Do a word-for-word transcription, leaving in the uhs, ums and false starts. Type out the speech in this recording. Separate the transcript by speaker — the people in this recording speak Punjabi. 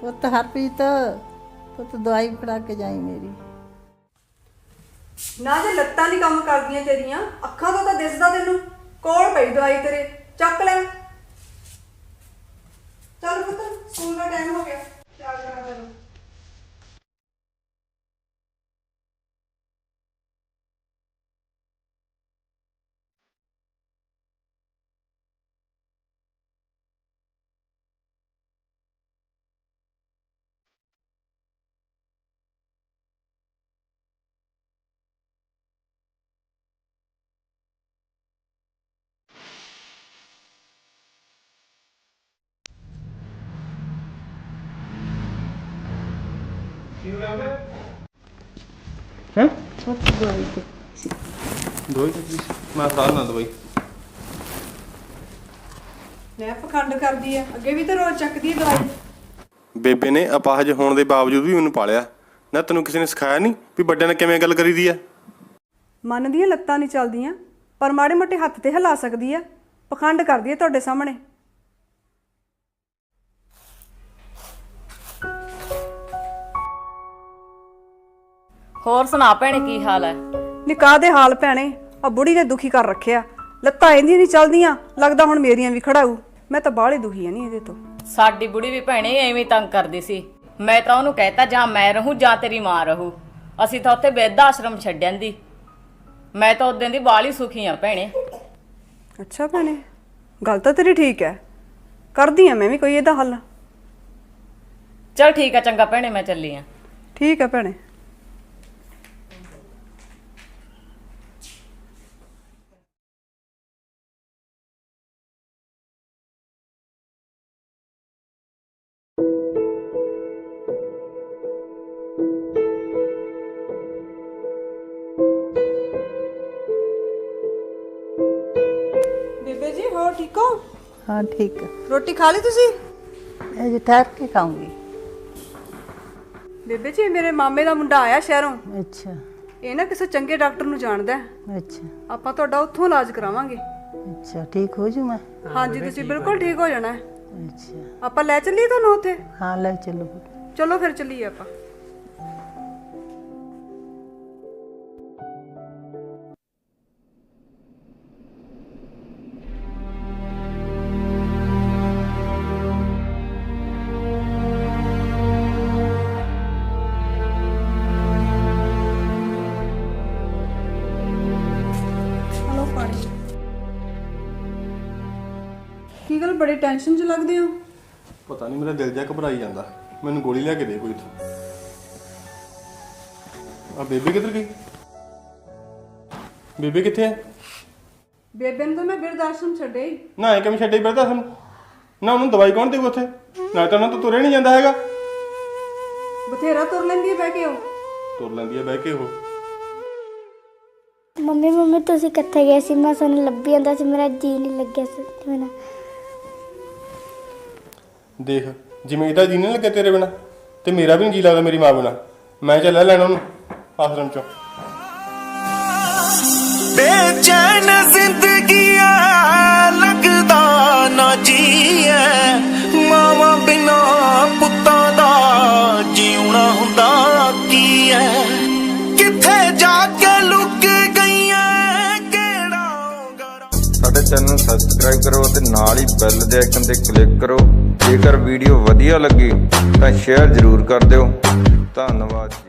Speaker 1: ਪੁੱਤ ਹਰਪ੍ਰੀਤ ਪੁੱਤ ਦਵਾਈ ਫੜਾ ਕੇ ਜਾਈ ਮੇਰੀ।
Speaker 2: ਨਾ ਜੇ ਲੱਤਾਂ ਨਹੀਂ ਕੰਮ ਕਰਦੀਆਂ ਤੇਰੀਆਂ, ਅੱਖਾਂ ਤੋਂ ਤਾਂ ਦਿਸਦਾ ਤੈਨੂੰ। ਕੋਲ ਪਈ ਦਵਾਈ ਤੇਰੇ, ਚੱਕ ਲੈ। ਚੱਲ ਪੁੱਤ, ਸਕੂਲ ਦਾ ਟਾਈਮ ਹੋ ਗਿਆ, ਤਿਆਰ ਕਰਾ ਤੈਨੂੰ।
Speaker 3: हैं
Speaker 1: ਪੁੱਤ ਦਵਾਈ ਦੇ
Speaker 3: दवाई मैं खा ना दवाई
Speaker 2: ਲੈ ਪਖੰਡ ਕਰਦੀ ਆ, ਅੱਗੇ ਵੀ ਤਾਂ ਰੋਜ਼ ਚੱਕਦੀ ਆ ਦਵਾਈ।
Speaker 3: ਬੇਬੇ ਨੇ ਅਪਾਹਜ ਹੋਣ ਦੇ ਬਾਵਜੂਦ ਵੀ ਮੈਨੂੰ ਪਾਲਿਆ ਨਾ। ਤੈਨੂੰ ਕਿਸੇ ਨੇ ਸਿਖਾਇਆ ਨਹੀਂ ਵੀ ਵੱਡਿਆਂ ਨਾਲ ਕਿਵੇਂ ਗੱਲ ਕਰੀਦੀ ਆ?
Speaker 2: ਮਨ ਦੀਆਂ ਲੱਤਾਂ ਨਹੀਂ ਚੱਲਦੀਆਂ, ਪਰ ਮਾੜੇ ਮੋਟੇ ਹੱਥ ਤੇ ਹਿਲਾ ਸਕਦੀ ਆ। ਪਖੰਡ ਕਰਦੀ ਆ ਤੁਹਾਡੇ ਸਾਹਮਣੇ।
Speaker 4: ਹੋਰ ਸੁਣਾ ਭੈਣੇ, ਕੀ ਹਾਲ ਹੈ?
Speaker 2: ਨਿਕਾਹ ਦੇ ਹਾਲ ਭੈਣੇ, ਆ ਬੁੜੀ ਨੇ ਦੁਖੀ ਕਰ ਰੱਖਿਆ। ਲੱਤਾਂ ਇਹਦੀਆਂ ਨਹੀਂ ਚੱਲਦੀਆਂ, ਲੱਗਦਾ ਹੁਣ ਮੇਰੀਆਂ ਵੀ ਖੜਾਊ। ਮੈਂ ਤਾਂ ਬਾਹਲੀ ਦੁਖੀ ਆ ਨਹੀਂ ਇਹਦੇ ਤੋਂ।
Speaker 4: ਸਾਡੀ ਬੁੜੀ ਵੀ ਭੈਣੇ ਐਵੇਂ ਤੰਗ ਕਰਦੀ ਸੀ। ਮੈਂ ਤਾਂ ਉਹਨੂੰ ਕਹਿਤਾ ਜਾਂ ਮੈਂ ਰਹੂੰ ਜਾਂ ਤੇਰੀ ਮਾਂ ਰਹੂ। ਅਸੀਂ ਤਾਂ ਉੱਥੇ ਬਿਰਧ ਆਸ਼ਰਮ ਛੱਡਣ ਦੀ। ਮੈਂ ਤਾਂ ਉਦੋਂ ਦੀ ਬਾਹਲੀ ਸੁਖੀ ਆ ਭੈਣੇ।
Speaker 2: ਅੱਛਾ ਭੈਣੇ, ਗੱਲ ਤਾਂ ਤੇਰੀ ਠੀਕ ਹੈ। ਕਰਦੀ ਆ ਮੈਂ ਵੀ ਕੋਈ ਇਹਦਾ ਹੱਲ।
Speaker 4: ਚਲ ਠੀਕ ਆ, ਚੰਗਾ ਭੈਣੇ, ਮੈਂ ਚੱਲੀ ਆ।
Speaker 2: ਠੀਕ ਹੈ ਭੈਣੇ। ਬੇਬੇ ਜੀ, ਹੋਰ ਠੀਕ ਹੋ?
Speaker 1: ਹਾਂ ਠੀਕ ਹੈ।
Speaker 2: ਰੋਟੀ ਖਾ ਲਈ ਤੁਸੀਂ?
Speaker 1: ਅਜੇ ਠਹਿਰ ਕੇ ਖਾਊਂਗੀ।
Speaker 2: ਬੇਬੇ ਜੀ, ਮੇਰੇ ਮਾਮੇ ਦਾ ਮੁੰਡਾ ਆਇਆ ਸ਼ਹਿਰੋਂ।
Speaker 1: ਅੱਛਾ
Speaker 2: ਇਹ ਨਾ ਕਿਸੇ ਚੰਗੇ ਡਾਕਟਰ ਨੂੰ ਜਾਣਦਾ ਹੈ।
Speaker 1: ਅੱਛਾ
Speaker 2: ਆਪਾਂ ਤੁਹਾਡਾ ਉੱਥੋਂ ਇਲਾਜ ਕਰਾਵਾਂਗੇ।
Speaker 1: ਅੱਛਾ ਠੀਕ ਹੋ ਜੂ ਮੈਂ?
Speaker 2: ਹਾਂਜੀ, ਤੁਸੀਂ ਬਿਲਕੁਲ ਠੀਕ ਹੋ ਜਾਣਾ ਹੈ।
Speaker 1: ਅੱਛਾ
Speaker 2: ਆਪਾਂ ਲੈ ਚੱਲੀਏ ਤੁਹਾਨੂੰ ਉੱਥੇ?
Speaker 1: ਹਾਂ ਲੈ ਚੱਲੋ।
Speaker 2: ਚਲੋ ਫਿਰ ਚੱਲੀਏ ਆਪਾਂ। ਹਲੋ ਪਾਣੀ। ਕੀ ਗੱਲ, ਬੜੀ ਟੈਨਸ਼ਨ 'ਚ ਲੱਗਦੇ ਹੋ?
Speaker 3: ਪਤਾ ਨਹੀਂ, ਮੇਰਾ ਦਿਲ ਜਿਹਾ ਘਬਰਾਈ ਜਾਂਦਾ। ਮੈਨੂੰ ਗੋਲੀ ਲਿਆ ਕੇ ਦੇ ਕੋਈ ਇੱਥੋਂ। ਆ ਬੇਬੇ ਕਿੱਧਰ ਗਈ? ਬੇਬੇ ਕਿੱਥੇ ਹੈ?
Speaker 2: ਬੇਬੇ ਨੂੰ ਤਾਂ ਮੈਂ ਬਿਰਧ ਆਸ਼ਰਮ ਛੱਡਿਆ ਹੀ।
Speaker 3: ਨਾ ਐ ਕਿਵੇਂ ਛੱਡੇ ਬਰਦਾ ਸਾਨੂੰ? ਨਾ ਉਹਨੂੰ ਦਵਾਈ ਕੌਣ ਦੇਊ ਉੱਥੇ? ਨਾ ਤਾਂ ਉਹਨਾਂ ਤੋਂ ਤੁਰਿਆ ਨਹੀਂ ਜਾਂਦਾ ਹੈਗਾ।
Speaker 2: ਬਥੇਰਾ ਤੁਰ ਲੈਂਦੀ ਹੈ ਬਹਿ ਕੇ ਉਹ।
Speaker 3: ਤੁਰ ਲੈਂਦੀ ਹੈ ਬਹਿ ਕੇ ਉਹ।
Speaker 5: ਮੰਮੀ ਮੰਮੀ ਤੁਸੀਂ ਕਿੱਥੇ ਗਏ ਸੀ? ਮੈਂ ਤੁਹਾਨੂੰ ਲੱਭੀ ਜਾਂਦਾ ਸੀ, ਮੇਰਾ ਜੀ ਨਹੀਂ ਲੱਗਿਆ ਸੀ ਮੇਰਾ।
Speaker 3: ਦੇਖ, ਜਿਵੇਂ ਇਹਦਾ ਜੀ ਨਹੀਂ ਲੱਗਿਆ ਤੇਰੇ ਬਿਨਾ, ਤੇ ਮੇਰਾ ਵੀ ਨਹੀਂ ਜੀ ਲੱਗਦਾ ਮੇਰੀ ਮਾਂ ਬਿਨਾ। ਮੈਂ ਚੱਲਿਆ ਲੈਣਾ ਉਹਨੂੰ ਆਸ਼ਰਮ ਚੋਂ।
Speaker 6: ਬੇਚੈਨ ਜ਼ਿੰਦਗੀ ਐ, ਲੱਗਦਾ ਨਾ ਜੀ ਐ। ਮਾਵਾਂ ਬਿਨਾ ਪੁੱਤਾਂ ਦਾ ਜਿਉਣਾ ਹੁੰਦਾ ਕੀ ਐ? ਕਿੱਥੇ ਜਾ ਕੇ ਲੁਕ ਗਈਆਂ ਕਿਹੜਾ ਗਰਾ।
Speaker 7: ਸਾਡੇ ਚੈਨਲ ਨੂੰ ਸਬਸਕ੍ਰਾਈਬ ਕਰੋ ਅਤੇ ਨਾਲ ਹੀ ਬੈਲ ਦੇ ਆਈਕਨ ਤੇ ਕਲਿੱਕ ਕਰੋ। ਜੇਕਰ ਵੀਡੀਓ ਵਧੀਆ ਲੱਗੀ ਤਾਂ ਸ਼ੇਅਰ ਜ਼ਰੂਰ ਕਰ ਦਿਓ। ਧੰਨਵਾਦ।